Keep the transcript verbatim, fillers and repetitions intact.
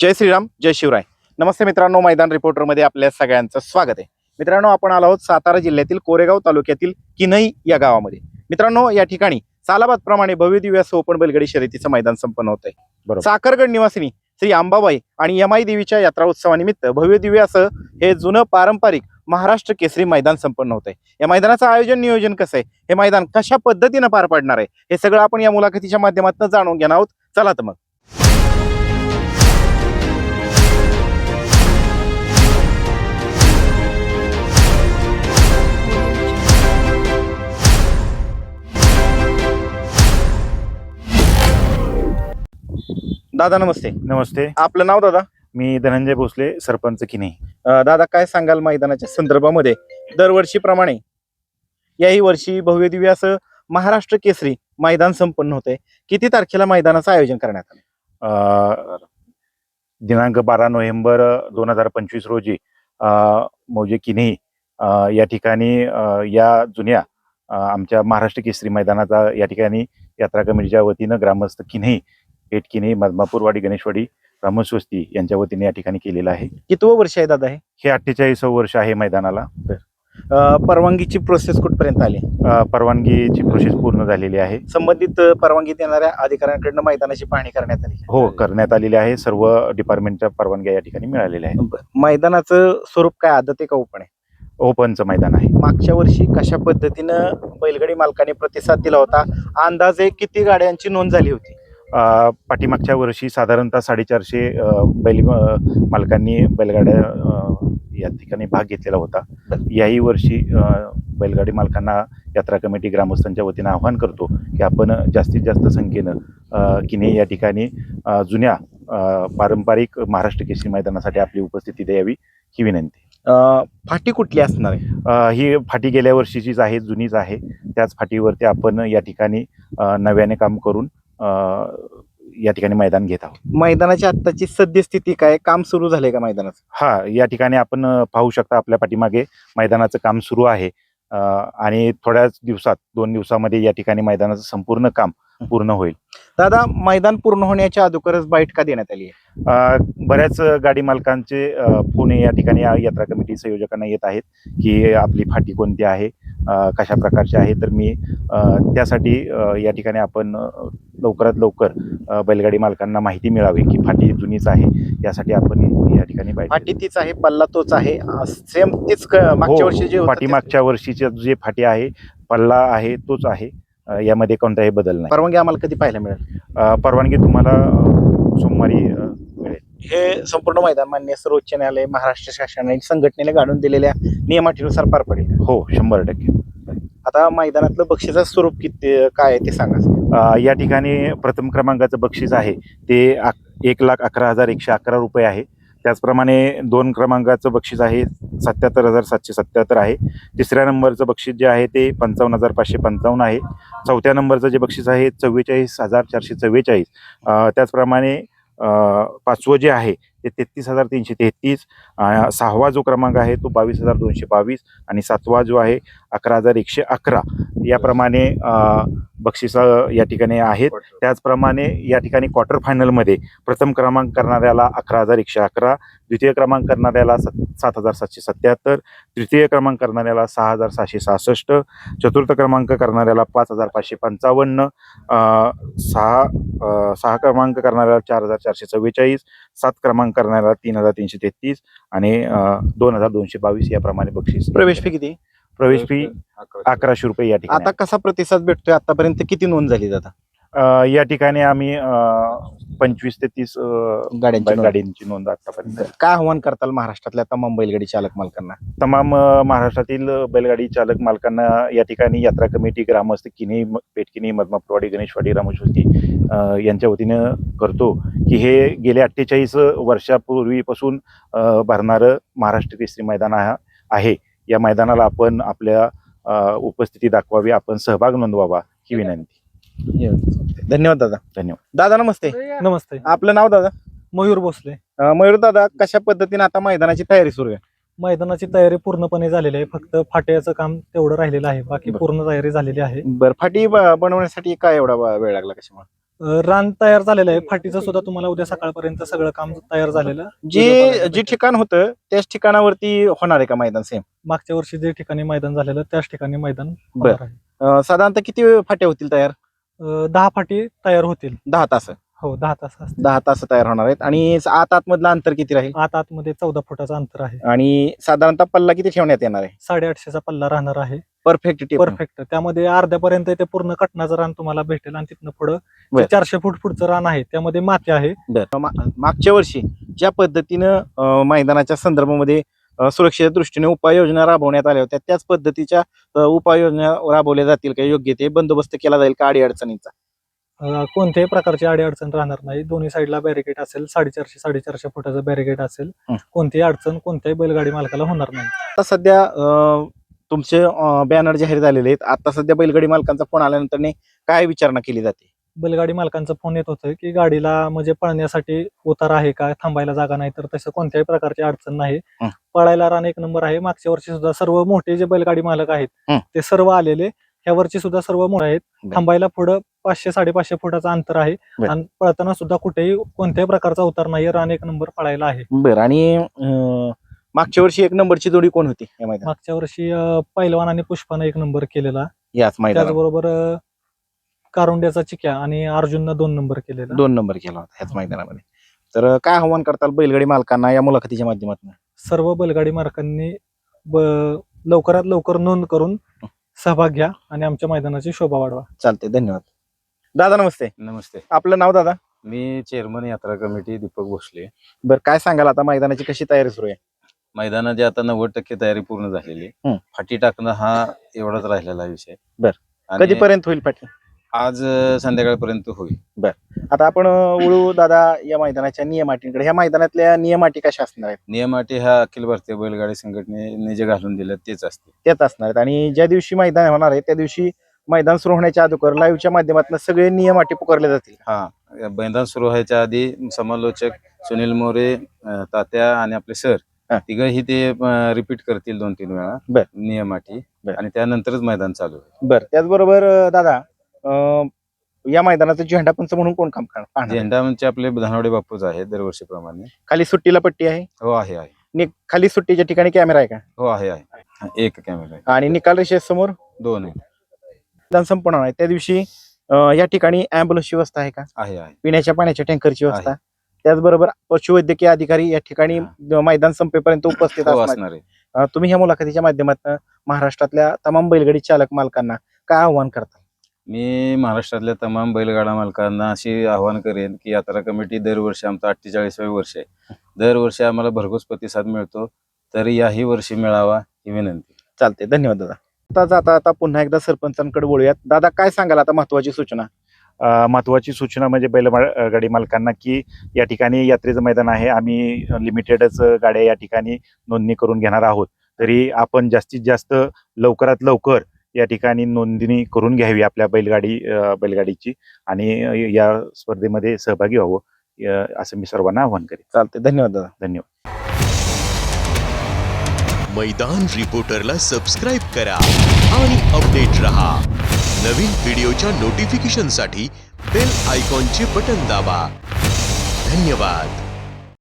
जय श्रीराम, जय शिवराय. नमस्ते मित्रांनो, मैदान रिपोर्टरमध्ये आपल्या सगळ्यांचं स्वागत आहे. मित्रांनो, आपण आलो आहोत सातारा जिल्ह्यातील कोरेगाव तालुक्यातील किन्हई या गावामध्ये. मित्रांनो, या ठिकाणी सालाबाद प्रमाणे भव्य दिव्य असं ओपन बैलगाडी शर्यतीचं मैदान संपन्न होत आहे. बरोबर. साखरगड निवासिनी श्री अंबाबाई आणि यमाई देवीच्या यात्रा उत्सवानिमित्त भव्य दिव्य असं हे जुनं पारंपरिक महाराष्ट्र केसरी मैदान संपन्न होत आहे. या मैदानाचं आयोजन नियोजन कसं आहे, हे मैदान कशा पद्धतीनं पार पडणार आहे, हे सगळं आपण या मुलाखतीच्या माध्यमातून जाणून घेणार आहोत. चला तर मग. दादा नमस्ते. नमस्ते. आपलं नाव दादा? मी धनंजय भोसले, सरपंच किन्हई. दादा, काय सांगाल मैदानाच्या संदर्भामध्ये? दरवर्षीप्रमाणे याही वर्षी भव्य दिव्य असं महाराष्ट्र केसरी मैदान संपन्न होते. किती तारखेला मैदानाचं आयोजन करण्यात आलं? दिनांक बारा नोव्हेंबर दोन हजार पंचवीस रोजी मौजे किन्हई या ठिकाणी या जुन्या आमच्या महाराष्ट्र केसरी मैदानाचा या ठिकाणी यात्रा कमिटीच्या वतीनं ग्रामस्थ किन्हई, पेठ किन्हई, मधमापूरवाडी, गणेशवाडी, रामस्वस्ती यांच्या वतीने या ठिकाणी केलेलं आहे. कितवं वर्ष आहे दादा हे? हे अठ्ठेचाळीसावं वर्ष आहे मैदानाला. परवानगीची प्रोसेस कुठपर्यंत आली? परवानगीची प्रोसेस पूर्ण झालेली आहे. संबंधित परवानगी देणाऱ्या अधिकाऱ्यांकडून मैदानाची पाहणी करण्यात आली? हो, करण्यात आलेली आहे. सर्व डिपार्टमेंटच्या परवानग्या या ठिकाणी मिळालेल्या आहेत. मैदानाचं स्वरूप काय, आदत आहे का ओपन आहे? ओपनचं मैदान आहे. मागच्या वर्षी कशा पद्धतीनं बैलगाडी मालकांनी प्रतिसाद दिला होता? अंदाजे किती गाड्यांची नोंद झाली होती? पाठीमागच्या वर्षी साधारणतः साडेचारशे बैल मालकांनी बैलगाड्या या ठिकाणी भाग घेतलेला होता. याही वर्षी बैलगाडी मालकांना यात्रा कमिटी ग्रामस्थांच्या वतीनं आवाहन करतो की आपण जास्तीत जास्त संख्येनं किन्हई या ठिकाणी जुन्या पारंपरिक महाराष्ट्र केसरी मैदानासाठी आपली उपस्थिती द्यावी ही विनंती. फाटी कुठली असणार आहे? ही फाटी गेल्या वर्षीचीच आहे, जुनीच आहे. त्याच फाटीवरती आपण या ठिकाणी नव्याने काम करून या ठिकाणी मैदान घेत आहोत. मैदानाची आत्ताची सद्यस्थिती काय, काम सुरू झालंय का मैदानाचं? हा, या ठिकाणी आपण पाहू शकता आपल्या पाठीमागे मैदानाचं काम सुरू आहे आणि थोड्याच दिवसात, दोन दिवसामध्ये या ठिकाणी मैदानाचं संपूर्ण काम पूर्ण होईल. दादा, मैदान पूर्ण होण्याच्या अगोदरच बाईट का देण्यात आली आहे? बऱ्याच गाडी मालकांचे फोन या ठिकाणी यात्रा कमिटी संयोजकांना येत आहेत की आपली फाटी कोणती आहे, कशा प्रकारची आहे. तर मी त्यासाठी या ठिकाणी आपण लवकरात लवकर बैलगाडी मालकांना माहिती मिळावी की फाटी जुनीच आहे, यासाठी आपण या ठिकाणी फाटी तीच आहे, पल्ला तोच आहे, सेम तीच मागच्या वर्षी जे फाटी मागच्या वर्षीचे जे फाटी आहे, पल्ला आहे तोच आहे, यामध्ये कोणताही बदल नाही. परवानगी आम्हाला कधी पाहायला मिळेल? परवानगी तुम्हाला सोमवारी मिळेल. हे संपूर्ण मैदान मान्य सर्वोच्च न्यायालय, महाराष्ट्र शासनाने, संघटनेने घालून दिलेल्या नियमाटीनुसार पार पडेल? हो, शंभर टक्के. आता मैदानातलं बक्षिसाचं स्वरूप किती काय आहे ते सांगा. या ठिकाणी प्रथम क्रमांकाचं बक्षीस आहे ते एक लाख अकरा हजार एकशे अकरा रुपये आहे. त्याचप्रमाणे दोन क्रमांकाचं बक्षीस आहे सत्याहत्तर हजार सातशे सत्याहत्तर आहे. तिसऱ्या नंबरचं बक्षीस जे आहे ते पंचावन्न हजार पाचशे पंचावन्न आहे. चौथ्या नंबरचं जे बक्षीस आहे चव्वेचाळीस हजार चारशे चव्वेचाळीस. त्याचप्रमाणे पाचवं जे आहे ते तेहतीस हजार तीनशे तेहतीस. सहावा जो क्रमांक आहे तो बावीस हजार दोनशे बावीस आणि सातवा जो आहे अकरा हजार एकशे अकरा. याप्रमाणे बक्षिस या ठिकाणी आहेत. त्याचप्रमाणे या ठिकाणी क्वार्टर फायनलमध्ये प्रथम क्रमांक करणाऱ्याला अकरा हजार एकशे अकरा, द्वितीय क्रमांक करणाऱ्याला सात सात हजार सातशे सत्याहत्तर, तृतीय क्रमांक करणाऱ्याला सहा हजार सहाशे सहासष्ट, चतुर्थ क्रमांक करणाऱ्याला पाच हजार पाचशे पंचावन्न, सहा सहा क्रमांक करणाऱ्याला चार हजार चारशे चव्वेचाळीस, सात क्रमांक करणाऱ्याला तीन हजार तीनशे तेहतीस आणि दोन हजार दोनशे बावीस याप्रमाणे बक्षीस. प्रवेश फी किती? प्रवेश फी अकराशे रुपये या ठिकाणी. आता कसा प्रतिसाद भेटतोय? आतापर्यंत किती नोंद झाली दादा? या ठिकाणी आम्ही पंचवीस ते तीस गाड्यांची गाड्यांची नोंद आतापर्यंत. काय आव्हान करताल महाराष्ट्रातल्या तमाम बैलगाडी चालक मालकांना? तमाम महाराष्ट्रातील बैलगाडी चालक मालकांना या ठिकाणी यात्रा कमिटी, ग्रामस्थ किन्हई, पेठ किन्हई, मधमापूरवाडी, गणेशवाडी, रामस्वस्ती यांच्या वतीनं करतो की हे गेल्या अठ्ठेचाळीस वर्षापूर्वीपासून भरणारं महाराष्ट्र केसरी मैदान आहे. या मैदानाला आपण आपल्या उपस्थिती दाखवावी, आपण सहभाग नोंदवावा ही विनंती. धन्यवाद दादा. धन्यवाद. दादा नमस्ते. नमस्ते. आपलं नाव दादा? मयूर भोसले. मयूर दादा, कशा पद्धतीने आता मैदानाची तयारी सुरू आहे? मैदानाची तयारी पूर्णपणे झालेली आहे, फक्त फाट्याचं काम तेवढं राहिलेलं आहे, बाकी पूर्ण तयारी झालेली आहे. बरं, फाटी बनवण्यासाठी काय एवढा वेळ लागला कशामुळे? अं, रान तयार झालेलं आहे. फाटीचं सुद्धा तुम्हाला उद्या सकाळपर्यंत सगळं काम तयार झालेलं जे व्हिडिओ बघायला जे भेटेल. ठिकाण होतं त्याच ठिकाणावरती होणार आहे का मैदान सेम? मागच्या वर्षी जे ठिकाणी मैदान झालेलं त्याच ठिकाणी मैदान बर. होणार आहे. अं, साधारणतः किती फाट्या होतील तयार? अं, दहा फाटी तयार होतील. दहा तास हो दहा तास असतील. दहा तास तयार होणार आहेत. आणि आत आतमधलं अंतर किती राहील? आत आतमध्ये चौदा फुटाचं अंतर आहे. आणि साधारणतः पल्ला किती ठेवण्यात येणार आहे? साडेआठशेचा पल्ला राहणार आहे. Perfect tape. परफेक्ट. त्यामध्ये अर्ध्यापर्यंत ते पूर्ण कटनाचं रान तुम्हाला भेटेल आणि तिथनं पुढं बर. जे चारशे फूट पुढचं रान आहे त्यामध्ये माती आहे. बरं. मा- मागच्या वर्षी ज्या पद्धतीनं अं, मैदानाच्या संदर्भामध्ये अं, सुरक्षेच्या दृष्टीने उपाययोजना राबवण्यात आल्या होत्या त्याच पद्धतीच्या अं, उपाययोजना राबवल्या जातील का? योग्य ते बंदोबस्त केला जाईल का अडीअडचणींचा? अं, कोणत्याही प्रकारची अडीअडचण राहणार नाही. दोन्ही साईडला बॅरिकेड असेल. साडेचारशे साडेचारशे फुटाचं बॅरिकेड असेल. हं. कोणतीही अडचण कोणत्याही बैलगाडी मालकाला होणार नाही. आता सध्या अं, तुमचे बॅनर जाहीर झालेले आहेत. आता सध्या बैलगाडी मालकांचा फोन आल्यानंतर काय विचारणा केली जाते? बैलगाडी मालकांचा फोन येत होतं की गाडीला म्हणजे पळण्यासाठी उतार आहे का, थांबायला जागा नाही, तर तसं कोणत्याही प्रकारची अडचण नाही. हं. पळायला रान एक नंबर आहे. मागच्या वर्षी सुद्धा सर्व मोठे जे बैलगाडी मालक आहेत हं. ते सर्व आलेले. ह्या वर्षी सुद्धा सर्व मोठे आहेत. बर. थांबायला पुढं पाचशे साडेपाचशे फुटाचं अंतर आहे. बर. आणि पळताना सुद्धा कुठेही कोणत्याही प्रकारचा उतार नाही. रान एक नंबर पळायला आहे. बरं. आणि अं, मागच्या वर्षी एक नंबरची जोडी कोण होती या मैदानात? मागच्या वर्षी अं, पैलवान आणि पुष्पानं एक नंबर केलेला. याच मैदानात त्याचबरोबर अं, कारुंड्याचा चिक्या आणि अर्जुननं दोन नंबर केलेला. दोन नंबर केला होता ह्याच मैदानामध्ये. तर अं, काय आव्हान करताल बैलगाडी मालकांना या मुलाखतीच्या माध्यमातून? सर्व बैलगाडी मालकांनी ब- लवकरात लवकर नोंद करून सहभाग घ्या आणि आमच्या मैदानाची शोभा वाढवा. चालते. धन्यवाद. दादा नमस्ते. नमस्ते. आपलं नाव दादा? मी चेअरमन यात्रा कमिटी दीपक भोसले. बरं, काय सांगाल आता मैदानाची कशी तयारी सुरू आहे? मैदानाची आता नव्वद टक्के तयारी पूर्ण झालेली. हं. फाटी टाकणं हा एवढाच राहिलेला विषय. बर. आणि कधीपर्यंत होईल पाठी? आज अं, संध्याकाळपर्यंत होईल. आता आपण अं, वळू दादा या मैदानाच्या नियम अटींकडे. ह्या मैदानातल्या नियम अटी कशा असणार आहेत? नियम अटी ह्या अखिल भारतीय बैलगाडी संघटनेने जे घालून दिलं तेच असते. त्याच असणार आहेत. आणि ज्या दिवशी मैदान होणार आहे त्या दिवशी मैदान सुरू होण्याच्या अगोदर लाईव्हच्या माध्यमातून सगळे नियम अटी पुकारले जातील. हा मैदान सुरू व्हायच्या आधी समालोचक सुनील मोरे, अं, तात्या आणि आपले सर हा. तिघही ते रिपीट करतील दोन तीन वेळा बर. नियम अटी. बर. आणि त्यानंतरच मैदान चालू होईल. बरं. त्याचबरोबर अं, दादा अं, या मैदानाचा झेंडा पंच म्हणून कोण काम करणार? पाहणार? झेंडा म्हणजे आपले धानवडे बापूच आहे दरवर्षीप्रमाणे. खाली सुट्टीला पट्टी आहे. हो आहे आहे नि- खाली सुट्टीच्या ठिकाणी कॅमेरा आहे का? हो आहे आहे एक कॅमेरा आहे. आणि निकाल रेषेसमोर दोन आहे मैदान संपन्न आहे त्या दिवशी अं, या ठिकाणी अँब्युलन्सची व्यवस्था आहे का? आहे आहे पिण्याच्या पाण्याच्या टँकरची व्यवस्था? त्याचबरोबर पशुवैद्यकीय अधिकारी या ठिकाणी मैदान संपेपर्यंत उपस्थित हो असणार. असणार आहे. अं, तुम्ही ह्या मुलाखतीच्या माध्यमातून महाराष्ट्रातल्या तमाम बैलगाडी चालक मालकांना काय आव्हान करता? मी महाराष्ट्रातल्या तमाम बैलगाडा मालकांना अशी आवाहन करेन की यात्रा कमिटी दरवर्षी आमचं अठ्ठेचाळीसावे वर्ष आहे. दरवर्षी आम्हाला भरघोस प्रतिसाद मिळतो, तर याही वर्षी मिळावा ही विनंती. चालते. धन्यवाद दादा. आता जाता आता पुन्हा एकदा सरपंचांकडे बोलूयात. दादा काय सांगाल आता महत्वाची सूचना? अ, महत्त्वाची सूचना म्हणजे बैलगाडी मालकांना की या ठिकाणी यात्रेचं मैदान आहे. आम्ही लिमिटेडच गाड्या या ठिकाणी नोंदणी करून घेणार आहोत. तरी आपण जास्तीत जास्त लवकरात लवकर या ठिकाणी नोंदणी करून घ्यावी आपल्या बैलगाडी अ, बैलगाडीची आणि या स्पर्धेमध्ये सहभागी व्हावं अ, असं मी सर्वांना आवाहन करेन. चालते. धन्यवाद दादा. धन्यवाद. मैदान रिपोर्टरला सबस्क्राइब करा आणि अपडेट रहा. नवीन व्हिडिओच्या नोटिफिकेशनसाठी बेल आयकॉनचे बटन दाबा. धन्यवाद.